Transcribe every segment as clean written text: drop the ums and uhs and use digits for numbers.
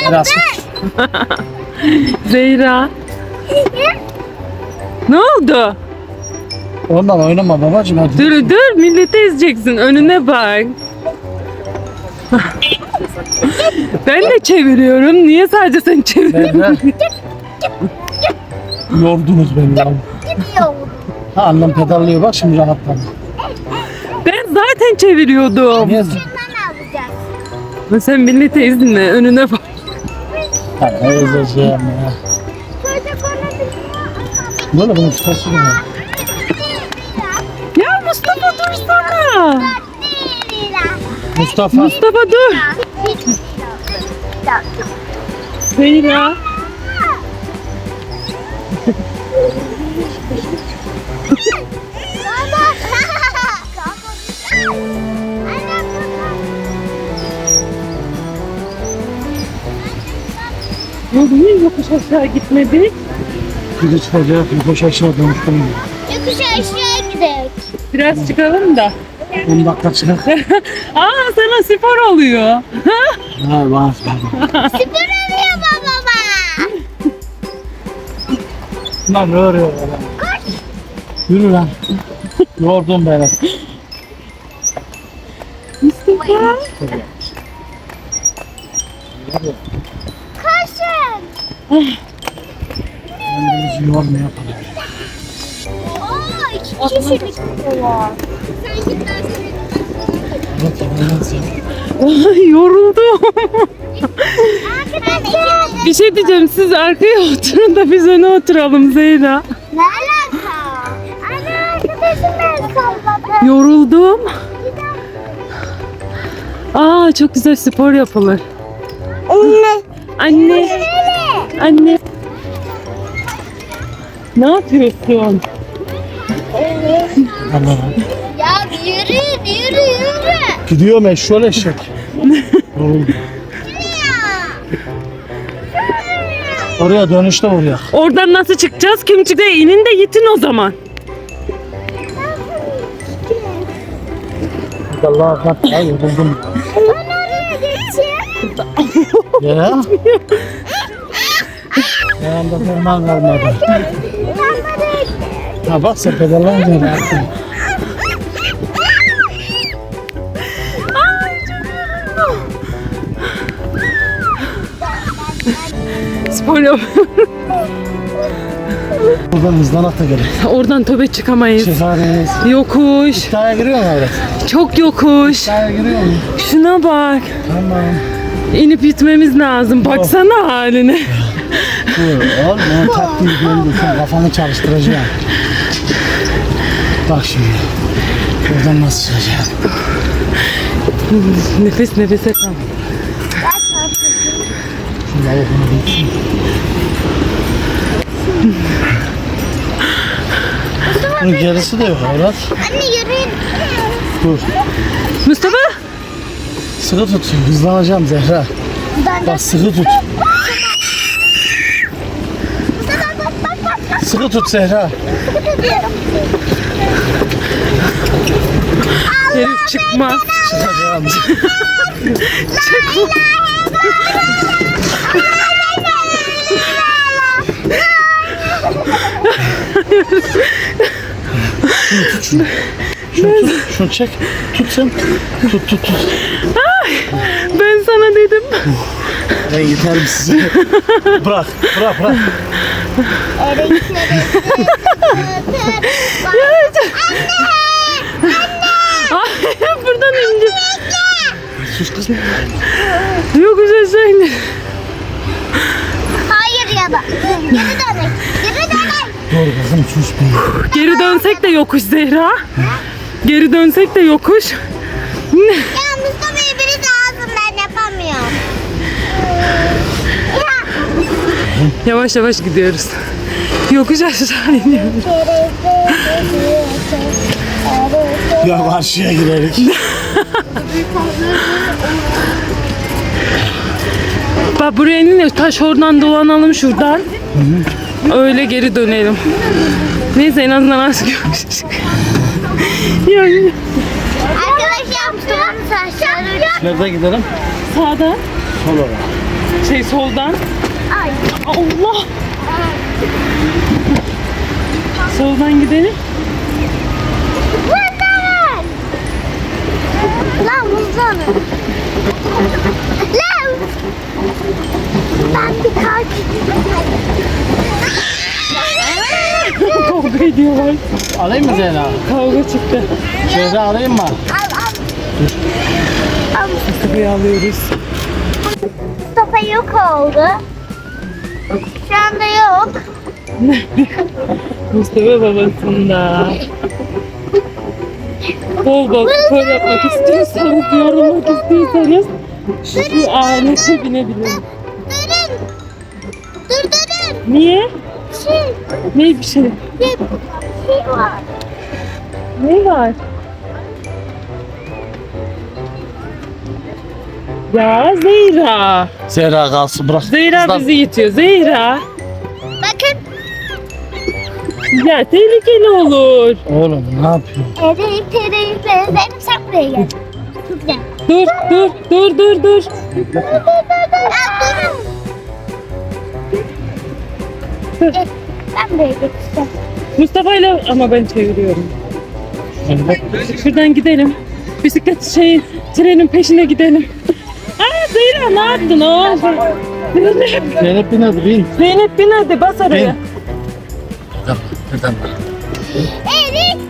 Biraz. Zehra. Ne oldu? Ondan oynama babacığım hadi. Dur milleti ezeceksin. Önüne bak. Ben de çeviriyorum. Niye sadece sen çeviriyorsun? Yordunuz beni ya. Gidiyor. Ha, annem pedallıyor bak şimdi rahatladım. Ben zaten çeviriyordum. Niye? Şundan alacağız. Sen milleti ezme. Önüne bak. Ha, ne yazacağım ya. Çocuk onu biliyor. Böyle bunu tutasın ya. Ya Mustafa dursana. Mustafa. Mustafa dur. Zehra. Ya niye yokuş aşağı gitmedi? Biri çıkacak, bir koş aşağı dönüştüm. Yokuş aşağı gidelim. Biraz çıkalım da. 10 dakika çıkar. Aa sana spor oluyor. Ha var. Süper oluyor baba. Lan ne örüyor lan? Yürü lan. Yordum beni. Mustafa. Koşun. Kendimizi yormaya yapalım. Oo, 2 kişilik var. Sen git ben seni. Evet yapalım. Ay yoruldum. Arkadaşlar. Bir şey diyeceğim, siz arkaya oturun da biz öne oturalım Zehra. Ne alaka? Anne arkadaşım ben salladım. Yoruldum. Aa çok güzel spor yapılır. Anne. Anne, anne. Ne yapıyorsun? Allah. Ya yürü. Gidiyorum eşşoğlu eşek. Yoruldum. Oraya dönüşte oraya. Oradan nasıl çıkacağız? Kim çıktı? İnin de yitin o zaman. Allah bak ya yoruldum. Ben oraya geçeyim. Ya. Yanımda ferman kalmadı. Ha bak sen pedallayınca ne yaptın? Spor yap. Buradan hızlanak da gerek. Oradan töbe çıkamayız. Şehareyiz. Yokuş. İddiaya giriyor mu evet? Çok yokuş. İddiaya giriyor mu? Şuna bak. Tamam. İnip gitmemiz lazım. Baksana haline. Dur oğlum ben taktiği gördüm. Sen kafanı çalıştıracağım. Bak şimdi. Buradan nasıl çıkacağım? Nefes nefese kal. Şu lavukunu bitsin. Bunun gerisi de yok evlat. Anne yürü. Dur. Mustafa. Sıkı tut. Hızlanacağım Zehra. Bak sıkı tut. Sıkı tut Zehra. Herif çıkmaz. Çıkacağım. Şunu tut. Şunu çek. Tut sen. Tut. Ben sana dedim. Ben yeterim size. Bırak. Ay, buradan ince. Sus kız. Yokuş aşağı indi. Hayır ya da. Geri dönek. Doğru kızım sus be. Geri dönsek de yokuş Zehra. Geri dönsek de yokuş. Ya Mustafa'yı biri lazım ben yapamıyorum. Yavaş yavaş gidiyoruz. Yokuş aşağı iniyoruz. Ya karşıya girerik. Bak buraya inin de taş oradan dolanalım şuradan. Öyle geri dönelim. Neyse en azından az görmüştük. Yani Arkadaşlar Mustafa'nın saçları. Nerede gidelim? sağda. Sol olarak. Soldan. Ay. Allah. Soldan gidelim. Lan! Lan uzanın. Lan! Ben bir kalk. Kavga ediyorlar. Alayım mı Zehra? Kavga çıktı. Zehra alayım mı? Al. Mustafa'yı alıyoruz. Mustafa yok oldu. Şu anda yok. Mustafa babasında. Bol bol spor yapmak istiyorsanız, yorulmak istiyorsanız şu alete binebilirim. Durun. Durun. Niye? Şey, Ne bir şey? bir şey var. Ne var? Ya Zehra. Zehra kalsın bırak. Zehra Kızlar- bizi itiyor. Zehra. Bakın. Ya tehlikeli olur. Oğlum ne yapıyorsun? Eriyip benim sen buraya gel. Güzel. Dur. Ben buraya geçeceğim. Mustafa ile ama ben çeviriyorum. Evet. Şuradan gidelim. Bisiklet trenin peşine gidelim. Aa Zehra ne yaptın o? Zeynep bin hadi bin. Zeynep bin hadi bas araya. Neden? Erik.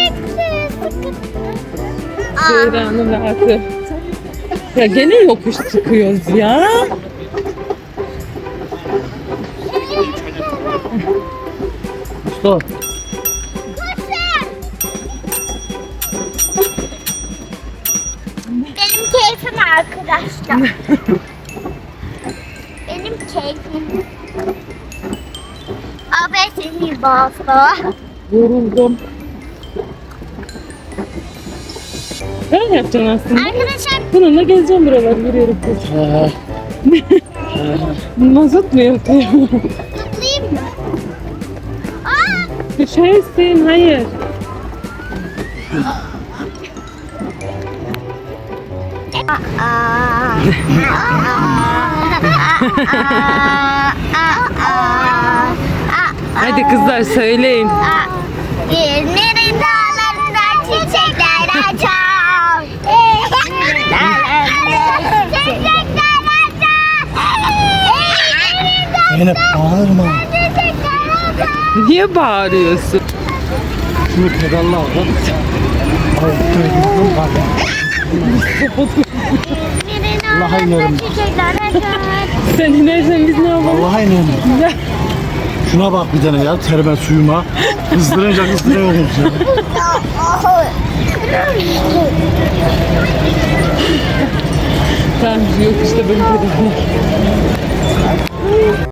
Zehra'nın rahatı. Ya gene yokuş çıkıyoruz ya. Mustafa. Benim keyfim arkadaşlar. Benim keyfim. Abi seni basta. Yoruldum. Ben yapacaksın aslında. Arkadaşlar Bununla gezeceğim buraları yürüyerek. Mazot mu yapıyor? tutayım mı? Aa! Düşersin, hayır. Hadi kızlar söyleyin. İzmir'in dağlarında çiçekler açar. İzmir'in dağlarında çiçekler açar. İzmir'in Zeynep bağırma. dağlarında çiçekler açar. Niye bağırıyorsun? Şunu pedalla al. İzmir'in Allah'a dağlarında inanırım. çiçekler açar. Sen inersen biz ne yapalım? Allah'a inanıyorum. Şuna bak bir tane ya terime suyuma. Kızdırınca kızdırıyoruz ya. Tamam yok işte böyle.